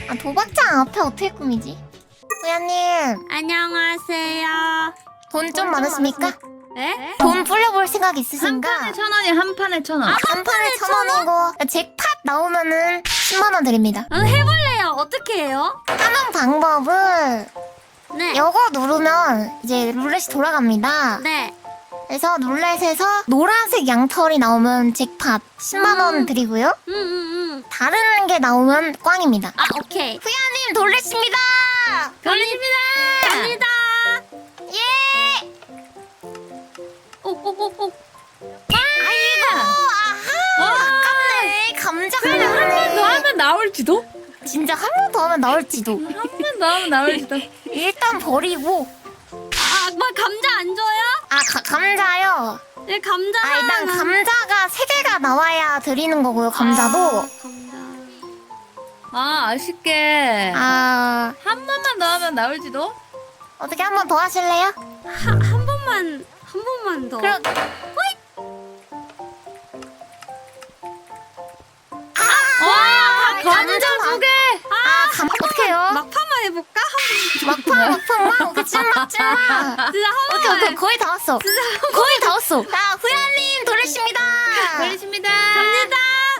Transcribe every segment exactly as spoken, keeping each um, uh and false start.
아, 도박장 앞에 어떻게 꾸미지? 후야님 안녕하세요. 돈 좀 많으십니까? 네? 돈 불려볼 생각 한 있으신가? 판에 천 원이 한 판에 천 원. 한 판에 천 원이고 잭팟 나오면은 십만 원 드립니다. 어, 해볼래요. 어떻게 해요? 하는 방법은 네. 요거 누르면 이제 룰렛이 돌아갑니다. 네. 그래서 룰렛에서 노란색 양털이 나오면 잭팟 십만 원 음. 드리고요. 음, 음, 음. 다른 게 나오면 꽝입니다. 아, 오케이. 후야님 돌렛입니다. 걸리십니다. 갑니다. 예. 오오오오. 아이고 아하 아깝네. 감자가 한 번 더 나오네. 하면 나올지도? 진짜 한 번 더 하면 나올지도. 한 번 더 하면 나올지도. 일단 버리고. 아, 뭐 감자 안 줘요? 아 가, 감자요. 네, 감자. 아 일단 하나만. 감자가 세 개가 나와야 드리는 거고요. 감자도. 아, 감자. 아 아쉽게 아 한 번만 더 하면 나올지도? 어떻게 한 번 더 하실래요? 하, 한 번만 한 번만 더. 그럼 와 감자 두 개. 아 감 어떡해요? 막판만 해볼까? 한 막판 막판 막 찐막 찐막. 번. 진짜 한 오케이 번만. 오케이 거의 다 왔어. 거의 다 왔어. 자 후야님 돌리십니다. 걸리십니다. 갑니다.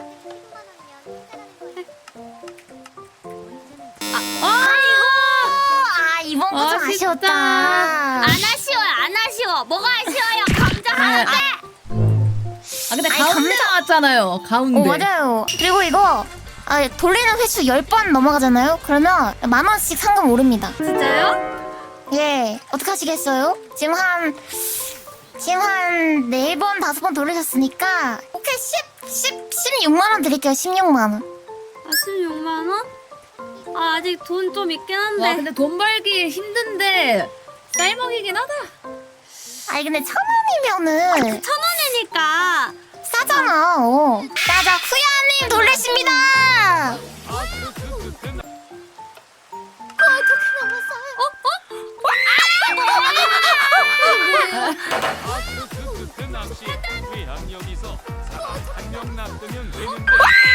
아이고 아 이번 거 좀 아쉽다. 아쉬웠다. 안 아쉬워요. 안 아쉬워. 뭐가 아쉬워요? 감자 하나인데. 아 근데 아니, 가운데 감자- 나왔잖아요. 가운데. 어 맞아요. 그리고 이거 아, 돌리는 횟수 열 번 넘어가잖아요. 그러면 만 원씩 상금 오릅니다. 진짜요? 예 어떻게 하시겠어요? 지금 한 지금 한 네 번 다섯 번 돌리셨으니까 오케이 십, 십, 십육만 원 드릴게요. 십육만 원. 아, 십육만 원? 아, 아직 돈 좀 있긴 한데. 와 근데 돈 벌기 힘든데 쌀먹이긴 하다. 아니 근데 천 원이면은 천 원이니까. 싸잖아. 어. 자자 후야님 돌리십니다. 어떻게 넘었어요? 그 낚시 회항 여기서 사람 한 명 납두면 되는데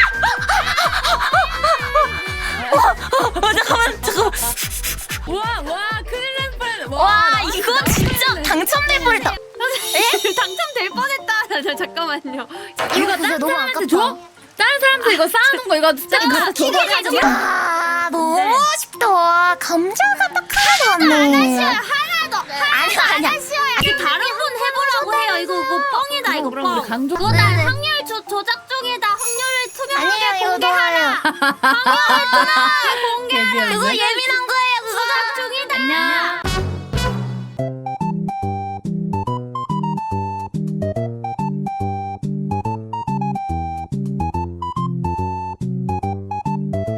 어 잠깐만 잠깐. 와와 큰일 날 뻔. 와 이거 진짜 당첨될 뻔했다. 당첨될 뻔했다. 자, 자, 잠깐만요. 이거 진짜 너무 아깝다. 줘? 다른 사람들 이거 쌓아놓은 거 이거 진짜 갖다 줘가지고. 아 너무 아쉽다. 감자가 딱 하나도 안 네. 하나 더. 아니야 아니야. 아직 다른 분 해보라고 해요. 이거 이거 뻥이다. 이거 그럼 우리 뻥. 강조. 그거 네, 네. 나 확률 조, 조작 중이다. 확률을 아니에요 투명하게 이거 공개하라. 좋아요. 공개하라. 그거 예민한